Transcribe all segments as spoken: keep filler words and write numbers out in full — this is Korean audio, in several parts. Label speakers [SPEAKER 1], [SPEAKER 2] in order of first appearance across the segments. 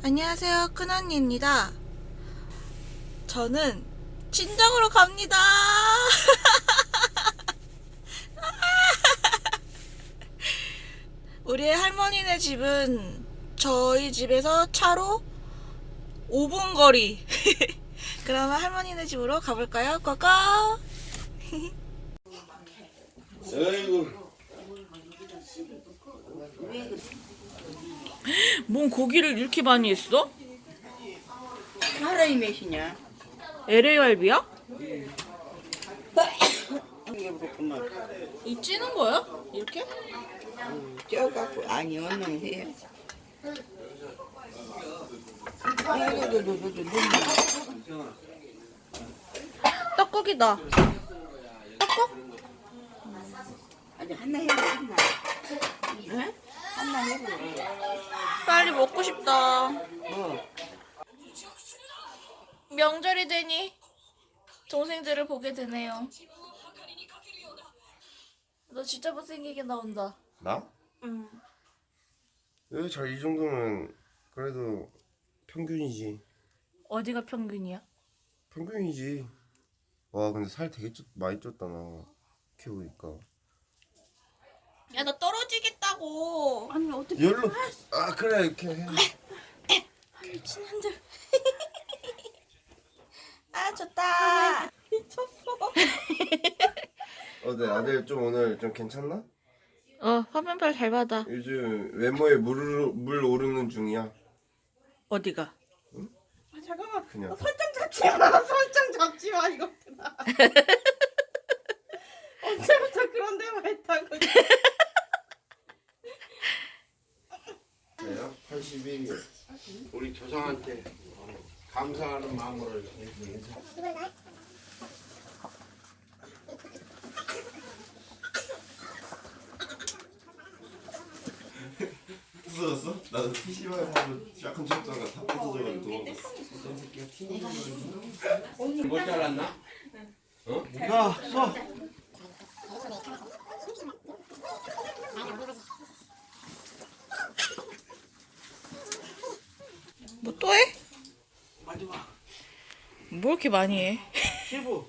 [SPEAKER 1] 안녕하세요, 큰언니입니다. 저는 친정으로 갑니다. 우리의 할머니네 집은 저희 집에서 차로 오 분 거리. 그러면 할머니네 집으로 가볼까요? 고고!
[SPEAKER 2] 아이고.
[SPEAKER 1] 뭔 고기를 이렇게 많이 했어?
[SPEAKER 3] 사람이 몇이냐?
[SPEAKER 1] 엘에이 갈비야?
[SPEAKER 3] 이게 그렇구만.
[SPEAKER 1] 이 찌는 거야? 이렇게?
[SPEAKER 3] 쪄갖고 아니 얼른 해. 아이고도도도도
[SPEAKER 1] 떡국이다. 떡국?
[SPEAKER 3] 아니 하나 해봐 하나. 응? 하나 해봐.
[SPEAKER 1] 빨리 먹고 싶다.
[SPEAKER 3] 뭐?
[SPEAKER 1] 명절이 되니 동생들을 보게 되네요. 너 진짜 못생기게 나온다.
[SPEAKER 2] 나?
[SPEAKER 1] 응.
[SPEAKER 2] 왜 잘 이 정도면 그래도 평균이지.
[SPEAKER 1] 어디가 평균이야?
[SPEAKER 2] 평균이지. 와 근데 살 되게 쪘, 많이 쪘다 나. 키우니까.
[SPEAKER 1] 야, 나 떨어지겠다고.
[SPEAKER 3] 아니 어떻게?
[SPEAKER 2] 열로. 아 그래 이렇게 해.
[SPEAKER 1] 미친 한들. 아, 좋다. 미쳤어.
[SPEAKER 2] 어때 아들 좀 오늘 좀 괜찮나?
[SPEAKER 1] 어, 화면발 잘 받아.
[SPEAKER 2] 요즘 외모에 물, 물 오르는 중이야.
[SPEAKER 1] 어디가?
[SPEAKER 3] 아, 잠깐만.
[SPEAKER 2] 그냥.
[SPEAKER 3] 어, 설정 잡지 마. 설정 잡지 마 이것들아. 언제부터 그런 데만 했다고?
[SPEAKER 2] 그래요? 팔십일 개.
[SPEAKER 4] 우리 조상한테 감사하는 마음으로
[SPEAKER 2] 부서졌어? 나도 피시방에 가면 약간 쪘다가 다 부서져가지고
[SPEAKER 4] 못 잘랐나?
[SPEAKER 2] 야 써!
[SPEAKER 1] 뭐 또 해?
[SPEAKER 4] 마지막
[SPEAKER 1] 뭐 이렇게 많이 해?
[SPEAKER 4] 시부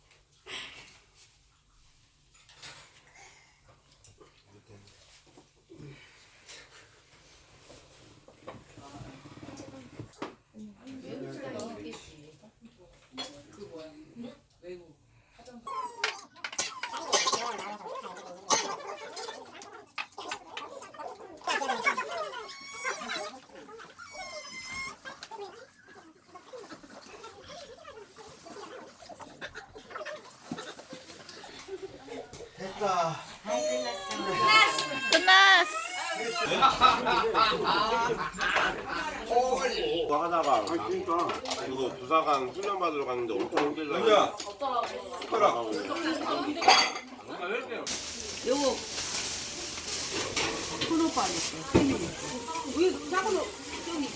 [SPEAKER 2] 됐다.
[SPEAKER 1] 끝났어.
[SPEAKER 2] 하다가 그거 부사관 훈련 받으러 갔는데 엄청 힘들다. 야, 숟가락.
[SPEAKER 3] 요거 큰 오빠니까. 왜 작은 오 저기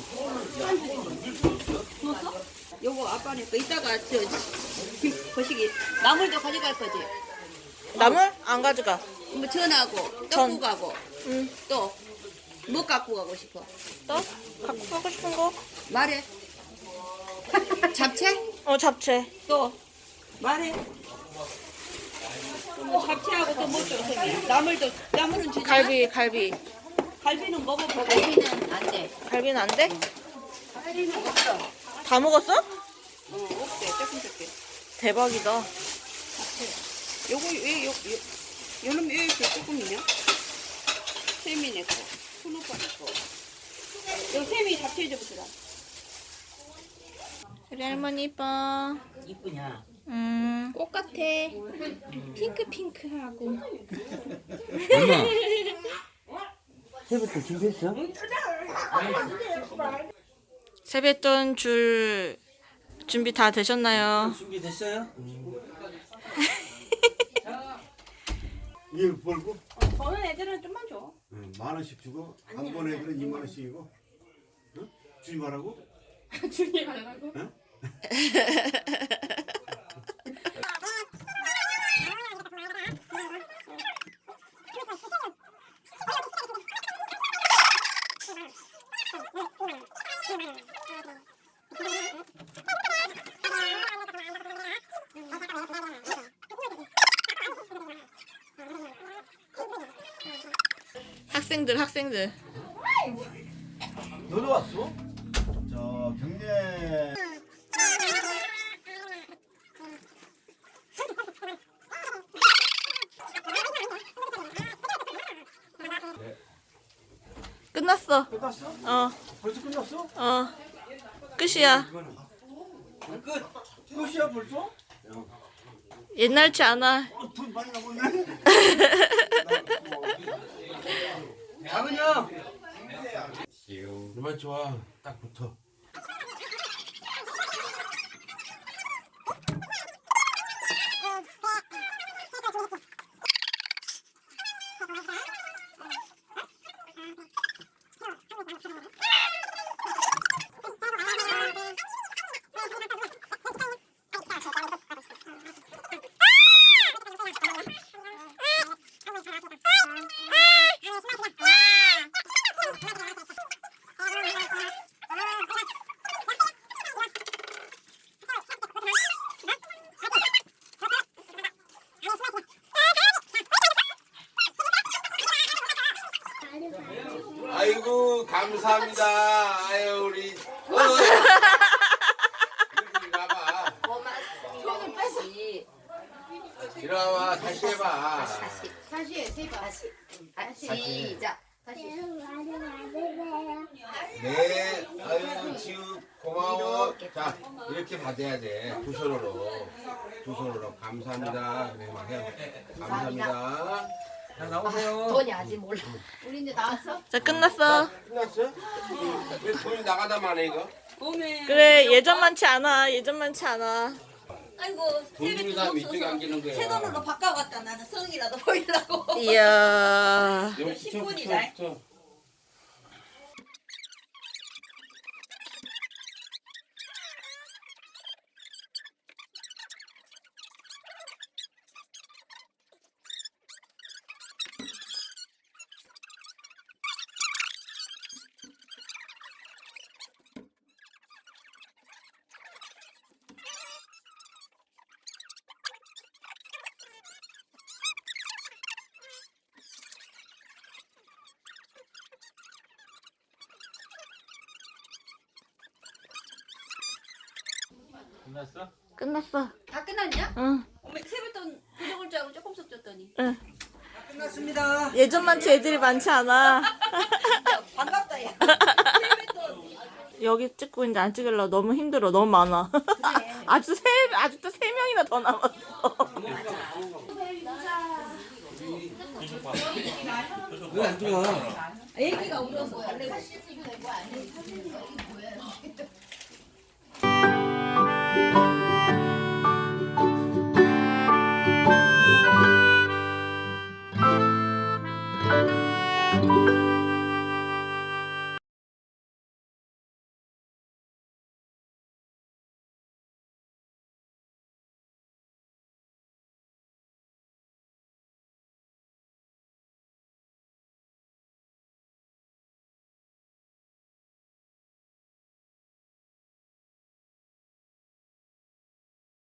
[SPEAKER 3] 넣었어? 요거 아빠네 거 이따가 저 거시기 나물도 가져갈 거지.
[SPEAKER 1] 나물? 안 가져가.
[SPEAKER 3] 뭐 전하고
[SPEAKER 1] 전.
[SPEAKER 3] 떡국하고
[SPEAKER 1] 응.
[SPEAKER 3] 또 뭐 갖고 가고 싶어?
[SPEAKER 1] 또? 갖고 가고 싶은 거?
[SPEAKER 3] 말해. 잡채?
[SPEAKER 1] 어, 잡채.
[SPEAKER 3] 또 말해. 뭐 잡채하고 또 뭐 줘? 저기 나물도 나물은 주지.
[SPEAKER 1] 갈비, 갈비.
[SPEAKER 3] 갈비는 먹어보고. 갈비는 안 돼.
[SPEAKER 1] 갈비는 안 돼?
[SPEAKER 3] 갈비는 없어.
[SPEAKER 1] 다 먹었어?
[SPEAKER 3] 어 없대. 조금 조금.
[SPEAKER 1] 대박이다.
[SPEAKER 3] 요거 왜 요, 요, 요놈 왜 이렇게 조금이냐? 세미네 거, 손오빠네 거. 요 세미 잡채 좀 주라.
[SPEAKER 1] 우리 할머니 이뻐.
[SPEAKER 3] 이쁘냐?
[SPEAKER 1] 음, 꽃 같아. 핑크 핑크하고.
[SPEAKER 5] 엄마 새부터 준비했어?
[SPEAKER 1] 세뱃돈 줄 준비 다 되셨나요?
[SPEAKER 5] 준비됐어요?
[SPEAKER 6] 이거 벌고
[SPEAKER 3] 버는 애들은 좀만 줘.
[SPEAKER 6] 응, 만 원씩 주고 한 번에 애들은 이만 원씩이고 응? 주지 말라고?
[SPEAKER 3] 주니 말라고?
[SPEAKER 6] 응?
[SPEAKER 1] 학생들 학생들.
[SPEAKER 6] 너도 왔어? 저 경례
[SPEAKER 1] 끝났어.
[SPEAKER 6] 끝났어?
[SPEAKER 1] 어,
[SPEAKER 6] 벌써 끝났어?
[SPEAKER 1] 어. 끝이야.
[SPEAKER 6] 끝? 끝이야 벌써?
[SPEAKER 1] 옛날치 않아.
[SPEAKER 6] 어, 돈 많이 남았네. 작은형.
[SPEAKER 4] 얼마나 좋아. 딱 붙어. 아이고 감사합니다. 아유 우리 어. 이리 와봐.
[SPEAKER 3] 손을 빼서.
[SPEAKER 4] 이리 와봐. 다시 해봐.
[SPEAKER 3] 다시 해, 세 번. 다시. 다시. 시작. 다시.
[SPEAKER 4] 네. 아유 지우 고마워. 자 이렇게 받아야 돼. 두 손으로. 두 손으로 감사합니다. 그래 막 해. 감사합니다. 자 나오세요.
[SPEAKER 3] 돈이 아직 몰라. 우리 이제 나왔어?
[SPEAKER 1] 자, 끝났어.
[SPEAKER 4] 끝났어? 왜 돈이 나가다 마네 이거?
[SPEAKER 1] 그래, 예전만치 않아. 예전만치 않아.
[SPEAKER 7] 아이고
[SPEAKER 4] 돈 주는 사람 이쪽에 안기는 거야.
[SPEAKER 7] 새 돈으로 바꿔갔다. 나는 성이라도 보이려고.
[SPEAKER 1] 이야.
[SPEAKER 4] 여기
[SPEAKER 7] 십 분이다.
[SPEAKER 4] 붙여, 붙여, 붙여.
[SPEAKER 6] 끝났어?
[SPEAKER 1] 끝났어.
[SPEAKER 3] 다 끝났냐?
[SPEAKER 1] 응.
[SPEAKER 7] 어머, 세뱃돈 부족을 줄 알고 조금씩 줬더니.
[SPEAKER 1] 응. 예전만치 애들이 많지 않아.
[SPEAKER 7] 반갑다 야. 세뱃돈.
[SPEAKER 1] 여기 찍고 이제 안 찍으려고 너무 힘들어. 너무 많아. 아주 세, 아직도 세 명이나 더 남았어.
[SPEAKER 4] 왜 안 들어와?
[SPEAKER 7] 애기가 울어서 달래고.
[SPEAKER 3] 사진 찍고 내고 안 해. 사진 찍고 뭐야?